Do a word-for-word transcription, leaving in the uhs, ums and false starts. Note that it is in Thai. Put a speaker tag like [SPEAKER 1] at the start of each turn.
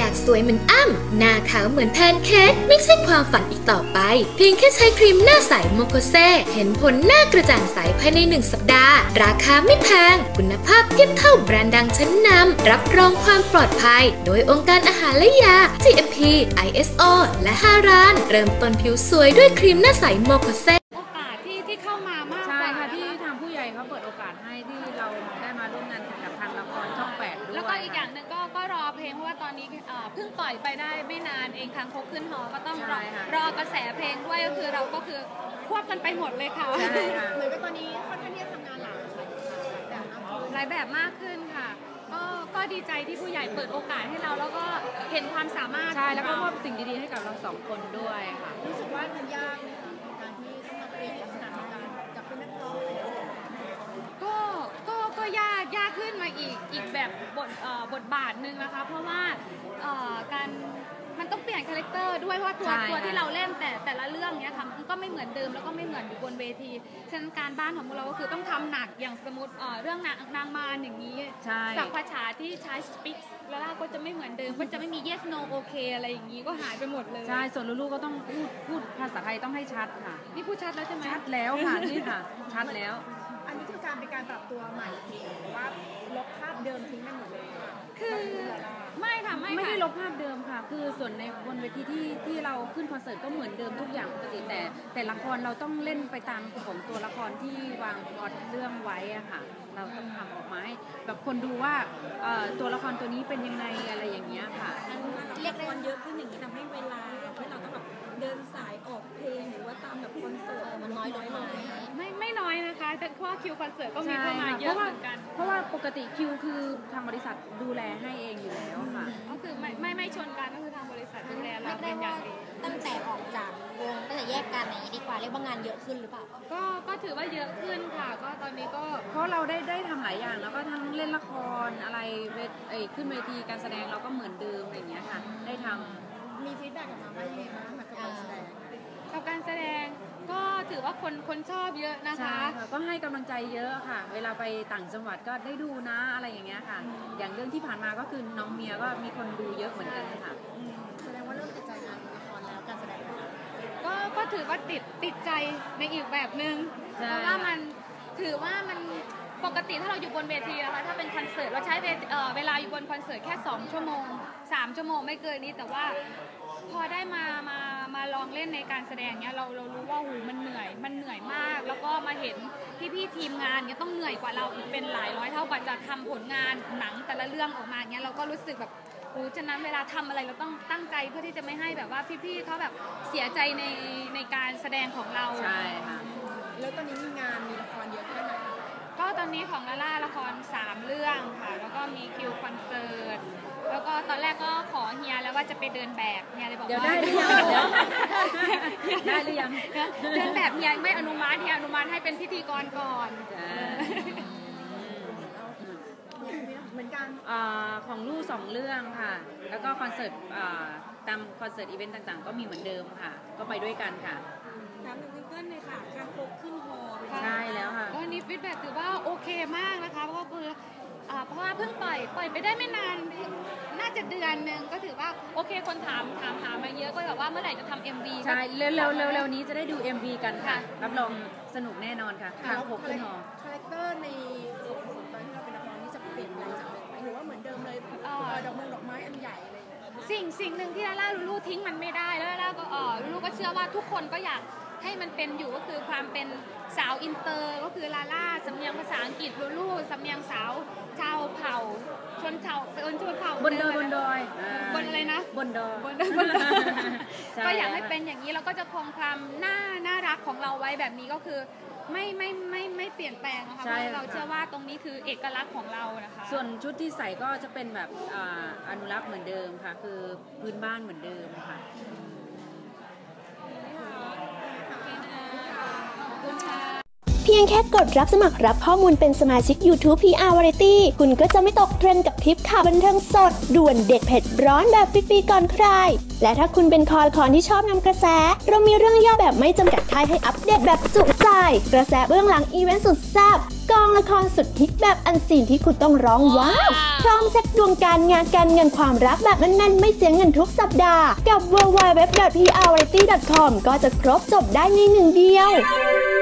[SPEAKER 1] ากสวยเหมือนอ้ำหน้าขาวเหมือนแพนเค้กไม่ใช่ความฝันอีกต่อไปเพียงแค่ใช้ครีมหน้าใสโมโคเซเห็นผลหน้ากระจ่างใสภายในหนึ่งสัปดาห์ราคาไม่แพงคุณภาพเทียบเท่าแบรนด์ดังชั้นนำรับรองความปลอดภัยโดยองค์การอาหารและยา จี เอ็ม พี ไอ เอส โอ และฮารานเริ่มต้นผิวสวยด้วยครีมหน้าใสโมโคเซ
[SPEAKER 2] โอกาสที่ที่เข้ามามาก
[SPEAKER 3] ใช่ค่ะที่ทางผู้ใหญ่เขาเปิดโอกาสให้ที่เราได้มาร่วมงานกับทางละครช่องแปดด้วย
[SPEAKER 2] แล้วก็อีกอย่างหนึ่งก็ก็รอเพลงเพราะว่าตอนนี้เพิ่งปล่อยไปได้ไม่นานเองคางคกขึ้นหอก็ต้องรอรอกระแสเพลงด้วยก็คือเราก็คือควบกันไปหมดเลยค่ะ
[SPEAKER 3] ใช่ค่ะ
[SPEAKER 4] เหมือนกับตอนนี้ค่อนข้างที่จะทำงานหลากหลายแบบ
[SPEAKER 2] หลายแบบมากขึ้นค่ะก็ก็ดีใจที่ผู้ใหญ่เปิดโอกาสให้เราแล้วก็เห็นความสามารถ
[SPEAKER 3] ใช่แล้วก็มอบสิ่งดีๆให้กับเราสองคนด้วยค่ะ
[SPEAKER 4] รู้สึกว่ามันยากการที่ต้องมาเปลี่ยนลักษณะของการจากเป็นนักร้อง
[SPEAKER 2] ก็ก็ก็ยากยากขึ้นมาอีกอีกแบบบทบทบาทหนึ่งนะคะเพราะว่าการมันต้องเปลี่ยนคาแรคเตอร์ด้วยเพราะตัวตัวที่เราเล่นแต่แต่ละเรื่องเนี้ยค่ะมันก็ไม่เหมือนเดิมแล้วก็ไม่เหมือนอยู่บนเวทีฉะนั้นการบ้านของเราก็คือต้องทำหนักอย่างสมมติเรื่องนางนางมารอย่างนี้ศัพท์ภาษาที่ใช้ speak แล้วก็จะไม่เหมือนเดิมก็จะไม่มี yes no okay อะไรอย่างนี้ก็หายไปหมดเลย
[SPEAKER 3] ใช่ส่วนลูกๆก็ต้องพูดพูดภาษาไทยต้องให้ชัดค่ะ
[SPEAKER 2] นี่พูดชัดแล้วใช่ไหม
[SPEAKER 3] ชัดแล้วค่ะนี่ค่ะชัดแล้ว
[SPEAKER 4] อันนี้คือการเป็นการปรับตัวใหม่หรือว่าลบภาพเดิมทิ้งไปหมดเลย
[SPEAKER 2] คือไม่ค่ะไม่
[SPEAKER 3] ไม่ได้ลบภาพเดิมค่ะคือส่วนในบนเวทีที่ที่เราขึ้นคอนเสิร์ตก็เหมือนเดิมทุกอย่างปกติแต่แต่ละครเราต้องเล่นไปตามของตัวละครที่วางพล็อตเรื่องไว้อะค่ะเราต้องทำออกมาให้แบบคนดูว่าตัวละครตัวนี้เป็นยังไงอะไรอย่างเงี้ยค่ะ
[SPEAKER 4] เรียกละครเยอะขึ้นอย่างนี้ทำให้เวลาที่เราต้องแบบเดินสายออกเพลงหรือว่าตามแบบคอนเสิร์ตมันน้อยลงไหม
[SPEAKER 2] ไม่ไม่น้อยนะคะแต่เพราะคิวคอนเสิร์ตก็มีเข้ามาเยอะเหมือนกัน
[SPEAKER 3] เพราะว่าปกติคิวคือทางบริษัทดูแลให้เองอยู่แล้วค่ะ
[SPEAKER 2] ก็คือไม่ไม่ไม่ชนกันก็คือทางบริษัทดูแลเราเป็นอย่างดี
[SPEAKER 4] ตั้งแต่ออกจากวงตั้งแต่แยกกันอย่างนี้ดีกว่าเรียกว่างานเยอะขึ้นหรือเปล่า
[SPEAKER 2] ก็ก็ถือว่าเยอะขึ้นค่ะก็ตอนนี้ก็
[SPEAKER 3] เพราะเราได้ได้ทำหลายอย่างแล้วก็ทั้งเล่นละครอะไรเวทไอขึ้นเวทีการแสดงเราก็เหมือนเดิมอะไรอย่างเงี้ยค่ะได้ท
[SPEAKER 4] ำมีฟีดแบ็กกลับมาว่ายังไงบ้างกับการแสดง
[SPEAKER 2] กับการแสดงก็ถือว่าคนคนชอบเยอะนะคะ
[SPEAKER 3] ก็ให้กำลังใจเยอะค่ะเวลาไปต่างจังหวัดก็ได้ดูนะอะไรอย่างเงี้ยค่ะอย่างเรื่องที่ผ่านมาก็คือน้องเมียก็มีคนดูเยอะเหมือนกันค่ะ
[SPEAKER 4] แสดงว่าเริ่มติดใจงานละครแล้วการแสดง
[SPEAKER 2] ก็ก็ถือว่าติดติดใจในอีกแบบนึงเพราะว่ามันถือว่ามันปกติถ้าเราอยู่บนเวทีนะคะถ้าเป็นคอนเสิร์ตเราใช้เวลาอยู่บนคอนเสิร์ตแค่สองชั่วโมงสามชั่วโมงไม่เกินนี้แต่ว่าพอได้มามามาลองเล่นในการแสดงเนี้ยเราเรารู้ว่าหูมันเหนื่อยมันเหนื่อยมากแล้วก็มาเห็นพี่พี่ทีมงานเนี้ยต้องเหนื่อยกว่าเราอีกเป็นหลายร้อยเท่ากว่าจะทำผลงานหนังแต่ละเรื่องออกมาเนี้ยเราก็รู้สึกแบบโอ้ฉะนั้นเวลาทำอะไรเราต้องตั้งใจเพื่อที่จะไม่ให้แบบว่าพี่ๆเขาแบบเสียใจในในการแสดงของเรา
[SPEAKER 3] ใช่ค่ะ
[SPEAKER 4] แล้วตอนนี้มีงานมีละครเยอะแค่ไหน
[SPEAKER 2] ก็ตอนนี้ของลาล่าละครสามเรื่องค่ะแล้วก็มีคิวคอนเสิร์ตแล้วก็ตอนแรกก็ขอเฮียแล้วว่าจะไปเดินแบบเฮียเลยบอกว่า
[SPEAKER 3] ได้หรือยังได้หรือยัง
[SPEAKER 2] เดินแบบเฮียไม่อนุมัติเฮียอนุมัติให้เป็นพิธีกรก่อน
[SPEAKER 4] เหมือนกัน
[SPEAKER 3] ของลูกสองเรื่องค่ะแล้วก็คอนเสิร์ตตามคอนเสิร์ตอีเวนต์ต่างๆก็มีเหมือนเดิมค่ะก็ไปด้วยกันค่ะ
[SPEAKER 4] ถามถึงซิงเกิลเลยค่ะการโคกขึ้นฮอ
[SPEAKER 3] ใช่แล้วค่ะ
[SPEAKER 2] ก็นี่ฟีดแบ็กถือว่าโอเคมากนะคะเพราะว่าคือเพราะว่าเพิ่งปล่อยปล่อยไปได้ไม่นานน่าจะเดือนนึงก็ถือว่าโอเคคนถามถามถามมาเยอะก็แบบว่าเมื่อไหร่จะทำ เอ็ม วี
[SPEAKER 3] ใช่เร็วเร็วเร็วเร็วนี้จะได้ดู เอ็ม วี กันค่ะรับรองสนุกแน่นอนค่ะ
[SPEAKER 4] คางคกขึ้นฮอคาแรคเตอร์ในตอนที่เราเป็นนักร้องนี่จะเปลี่ยนแปลงจากเดิมไหมหรือว่าเหมือนเดิมเลยดอกไม้ดอกไม้อันใหญ่อะไร
[SPEAKER 2] สิ่งสิ่งหนึ่งที่ลาล่าลูลูทิ้งมันไม่ได้แล้วลาล่าก็เออลูลูก็เชื่อว่าทุกคนก็อยากให้มันเป็นอยู่ก็คือความเป็นสาวอินเตอร์ก็คือลาล่าสำเนียงภาษาอังกฤษลูลูสำเนียงสาวชาวเผ่าชนเผ่าเป็นชนเผ่า
[SPEAKER 3] บนดอยบนดอย
[SPEAKER 2] บนอะไรนะ
[SPEAKER 3] บนดอย
[SPEAKER 2] บนดอยก็อยากให้เป็นอย่างนี้เราก็จะคงความน่าน่ารักของเราไว้แบบนี้ก็คือไม่ไม่ไม่ไม่เปลี่ยนแปลงนะคะเพราะเราเชื่อว่าตรงนี้คือเอกลักษณ์ของเรานะคะ
[SPEAKER 3] ส่วนชุดที่ใส่ก็จะเป็นแบบอนุรักษ์เหมือนเดิมค่ะคือพื้นบ้านเหมือนเดิมค่ะ
[SPEAKER 1] เพี
[SPEAKER 5] พียงแค่กดรับสมัครรับข้อมูลเป็นสมาชิก YouTube พี อาร์ Variety คุณก็จะไม่ตกเทรนด์กับคลิปข่าวบันเทิงสดด่วนเด็ดเผ็ดร้อนแบบฟรีๆก่อนใครและถ้าคุณเป็นคอคอนที่ชอบนำกระแสเรามีเรื่องย่อแบบไม่จำกัดท้ายให้อัปเดตแบบจุใจกระแสเบื้องหลังอีเวนต์สุดแซ่บกองละครสุดฮิตแบบอันซีนที่คุณต้องร้องว้าวพร้อมเช็คดวงการงานการเงินความรักแบบแน่นๆไม่เสียเงินทุกสัปดาห์กับ ดับเบิลยู ดับเบิลยู ดับเบิลยู ดอท พี อาร์ วาไรตี้ ดอท คอม ก็จะครบจบได้ในหนึ่งเดียว